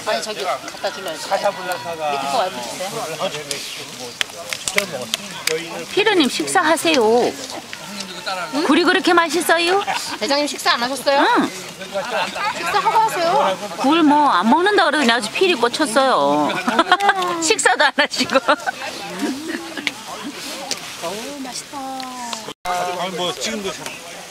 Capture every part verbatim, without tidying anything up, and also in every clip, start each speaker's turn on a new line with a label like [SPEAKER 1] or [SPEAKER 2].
[SPEAKER 1] 아니 저기 갖다 줄러야지. 밑에 거 와이프 주세요.
[SPEAKER 2] 피르님 식사하세요. 응? 굴이 그렇게 맛있어요?
[SPEAKER 1] 대장님 식사 안 하셨어요?
[SPEAKER 2] 응.
[SPEAKER 1] 식사하고 하세요.
[SPEAKER 2] 굴 뭐 안 먹는다 그러더니 아주 피리 꽂혔어요. 식사도 안 하시고.
[SPEAKER 1] 어우 맛있다.
[SPEAKER 3] 아니 뭐 지금도 참.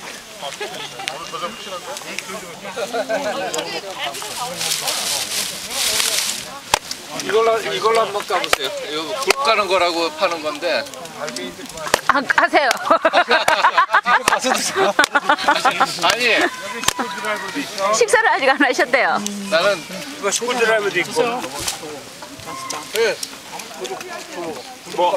[SPEAKER 4] 이걸로 이걸로 한번 까보세요. 이거 굴 까는 거라고 파는 건데.
[SPEAKER 2] 아, 하세요.
[SPEAKER 4] 아니
[SPEAKER 2] 식사를 아직 안 하셨대요.
[SPEAKER 4] 나는
[SPEAKER 3] 이거 시골드라이브도 있고.
[SPEAKER 4] 네.
[SPEAKER 3] 뭐?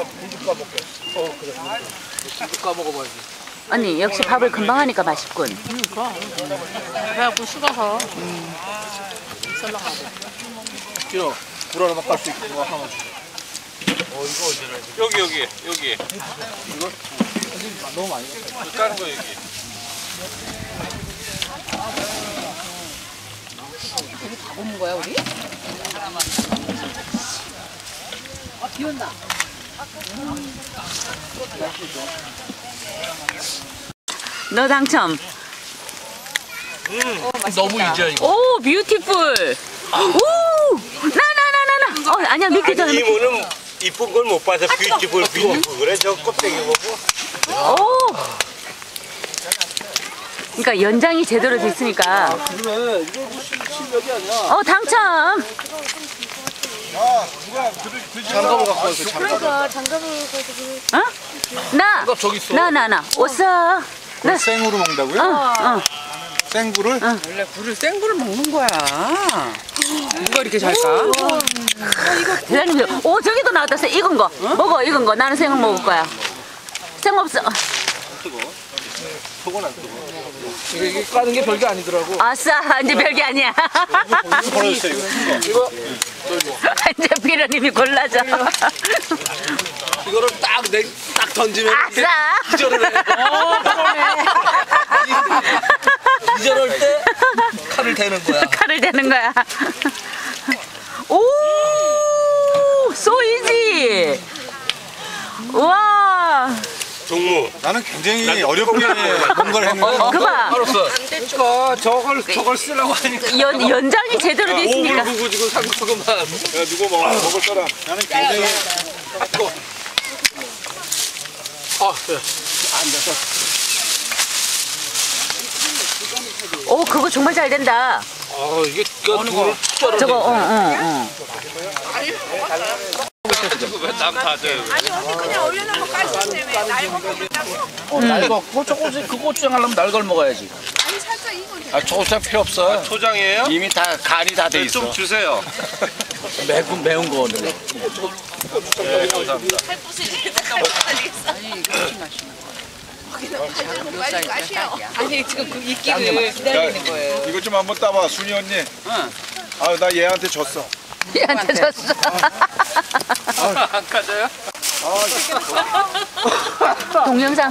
[SPEAKER 4] 굴 까먹어봐야지.
[SPEAKER 2] 언니 역시 밥을 금방 하니까 맛있군.
[SPEAKER 1] 그러니까. 그래갖고 식어서. 음. 썰렁하고.
[SPEAKER 4] 싫어. 굴 하나만 깔 수 있고 하나만 주세요. 어 이거 어디라 여기 여기 여기. 이거 너무 많이. 굴 까는 거 여기.
[SPEAKER 1] 여기 다 굽는 거야 우리? 아 비 온다.
[SPEAKER 2] 너 당첨.
[SPEAKER 4] 음, 너무 이제 이거.
[SPEAKER 2] 오 뷰티풀. 오 나나나나나. 어 아니야 믿기 전에.
[SPEAKER 3] 이모는 이쁜 걸 못 봐서 뷰티풀 뷰티풀 그래 저 껍데기 보고.
[SPEAKER 2] 오. 그러니까 연장이 제대로 됐으니까.
[SPEAKER 4] 그래 이거 실력이 아니야.
[SPEAKER 2] 어 당첨.
[SPEAKER 3] 아 누가 그들 그
[SPEAKER 4] 장갑을 갖고 와서 장갑.
[SPEAKER 1] 그러니까 장갑을 가지고.
[SPEAKER 2] 어? 나.
[SPEAKER 4] 장갑 저기 있어.
[SPEAKER 2] 나 나 나. 오싸. 나.
[SPEAKER 3] 생으로 먹는다고요?
[SPEAKER 2] 어 어.
[SPEAKER 3] 생굴을?
[SPEAKER 5] 원래 굴을 생굴을 먹는 거야. 누가 이렇게 잘 까?
[SPEAKER 2] 대장님, 오 저기도 나왔다. 생 익은 거. 먹어 익은 거. 나는 생을 먹을 거야. 생 없어.
[SPEAKER 4] 속은 안 뜨거. 이게, 이게 까는 게 별게 아니더라고.
[SPEAKER 2] 아싸 이제 별게 아니야.
[SPEAKER 3] 버렸어요 이거.
[SPEAKER 4] 이거
[SPEAKER 2] 이제 피르님이 골라줘.
[SPEAKER 4] 이거를 딱내딱 던지면
[SPEAKER 2] 아싸.
[SPEAKER 4] 기절을 해. 어, 그러네. 기절할 때 칼을 대는 거야.
[SPEAKER 2] 칼을 대는 거야. 오, 소이지. 와.
[SPEAKER 3] 종무. 나는 굉장히 어렵게 뭔가를 했는데.
[SPEAKER 4] 어,
[SPEAKER 2] 그봐.
[SPEAKER 4] 알았어. 그러니까 저걸 저걸 쓰려고 하니까.
[SPEAKER 2] 연 연장이 제대로 돼 있으니까.
[SPEAKER 4] 오물 구고 지고 상처구만.
[SPEAKER 3] 야 누구 먹어 먹을 사람. 나는 굉장히.
[SPEAKER 4] 아, 그래. 안 돼서.
[SPEAKER 2] 오, 그거 정말 잘 된다.
[SPEAKER 4] 아, 이게 어느 거?
[SPEAKER 2] 저거, 어, 어, 어.
[SPEAKER 4] 왜남 다져요?
[SPEAKER 6] 아니 언니 그냥 올려놓고 까시는데 왜 날 먹고
[SPEAKER 4] 어, 날거 고추 고추 그 고추장 하려면 날걸 먹어야지.
[SPEAKER 6] 아니 살짝 익어줘.
[SPEAKER 4] 아, 초고추장 필요 없어.
[SPEAKER 3] 아, 초장이에요?
[SPEAKER 4] 이미 다 간이 다 돼 있어.
[SPEAKER 3] 좀 주세요.
[SPEAKER 4] 매운 매운 거 오늘.
[SPEAKER 3] 네, 감사합니다.
[SPEAKER 6] 빨리 까시오.
[SPEAKER 5] 아니 지금 그 익기를 기다리는 거예요.
[SPEAKER 3] 이거 좀 한번 따봐 순이 언니.
[SPEAKER 5] 응.
[SPEAKER 3] 아 나 얘한테 졌어.
[SPEAKER 2] 얘한테 줬어.
[SPEAKER 4] 안 까져요?
[SPEAKER 2] 동영상.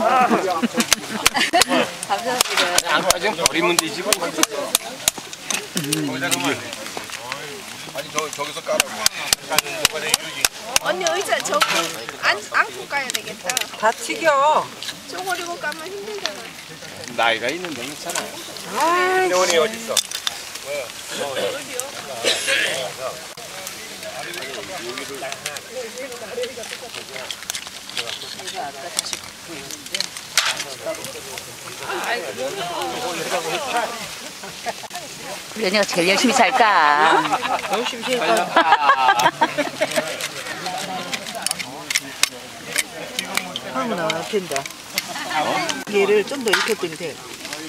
[SPEAKER 4] 안 까지면 버리면 되지. 뭐.
[SPEAKER 3] 음, 아니 저 저기서 까라고.
[SPEAKER 6] 언니 의자 저기 안 안고 까야 되겠다.
[SPEAKER 5] 다 튀겨.
[SPEAKER 6] 쪼그리고 까면 힘들잖아.
[SPEAKER 4] 나이가 있는데 괜찮아요.
[SPEAKER 3] 대원이 어디 있어?
[SPEAKER 2] 우리 언니가 제일 열심히 살까?
[SPEAKER 5] 열심히 해봐.
[SPEAKER 7] 하구나 된다. 얘를 좀 더 익혔더니 돼.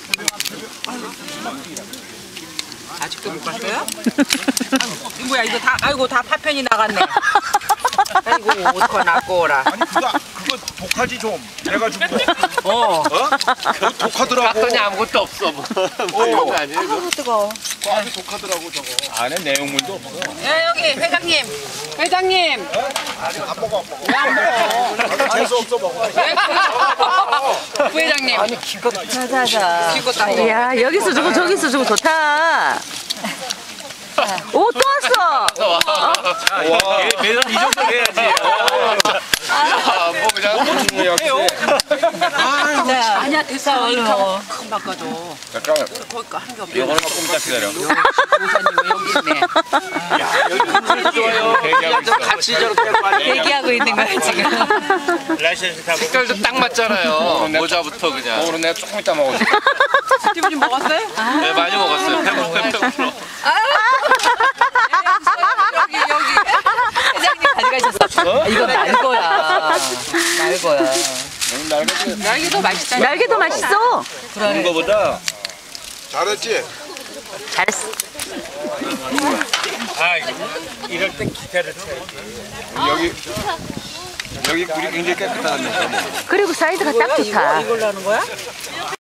[SPEAKER 5] 아직도 못 갔어요? 아이고, 뭐야 이거 다 아이고 다 파편이 나갔네. 아이고 어떡하 낫고라.
[SPEAKER 3] 아니 그거 그거 독하지 좀. 내가 좀.
[SPEAKER 5] 어.
[SPEAKER 3] 어? 그거 독하더라고.
[SPEAKER 4] 깎더니 아무것도 없어. 뭐. 뭐 아니에요?
[SPEAKER 7] 아우 뜨거워.
[SPEAKER 3] 아주 독하더라고 저거.
[SPEAKER 4] 안에 내용물도 없어.
[SPEAKER 5] 야 여기 회장님. 회장님.
[SPEAKER 3] 안 먹어 안 먹어. 나도 재수 없어 먹어.
[SPEAKER 5] 부회장님. 아니
[SPEAKER 2] 자자자.
[SPEAKER 5] 기껏 다 먹어.
[SPEAKER 2] 이야, 여기서 주고 저기서 주고 좋다. 오, 또 왔어.
[SPEAKER 4] 매년 이 정도 해야지.
[SPEAKER 3] 뭐 그냥 역시.
[SPEAKER 5] 아니야 됐어 얼른 큰 바꿔줘.
[SPEAKER 3] 잠깐만.
[SPEAKER 5] 거기 거 한 개 없어.
[SPEAKER 3] 이거는 조금 더 기다려.
[SPEAKER 5] 모사님 여기 있네.
[SPEAKER 4] 좋아요.
[SPEAKER 3] 대기하고 있어.
[SPEAKER 4] 같이 저렇게 빨리.
[SPEAKER 5] 얘기하고 있는 거야 지금.
[SPEAKER 3] 라이센스 타고.
[SPEAKER 4] 색깔도 딱 맞잖아요. 모자부터 그냥.
[SPEAKER 3] 오늘 내가 조금 이따 먹어줄게.
[SPEAKER 5] 스티브님 먹었어요?
[SPEAKER 4] 네, 많이 먹었어요. 배고프면 배고프러.
[SPEAKER 5] 여기 여기 회장님 가져가셨어. 아, 이건 날 거야. 날 거야. 날개도 맛있다.
[SPEAKER 2] 날개도 맛있어.
[SPEAKER 3] 그런 거보다.
[SPEAKER 8] 잘했지?
[SPEAKER 2] 잘했어.
[SPEAKER 3] 아, 이럴 때 기타를 쳐야지. 여기 여기 굴이 굉장히 깨끗하다면서.
[SPEAKER 2] 그리고 사이즈가 딱 좋다.
[SPEAKER 5] 이걸로 하는 거야?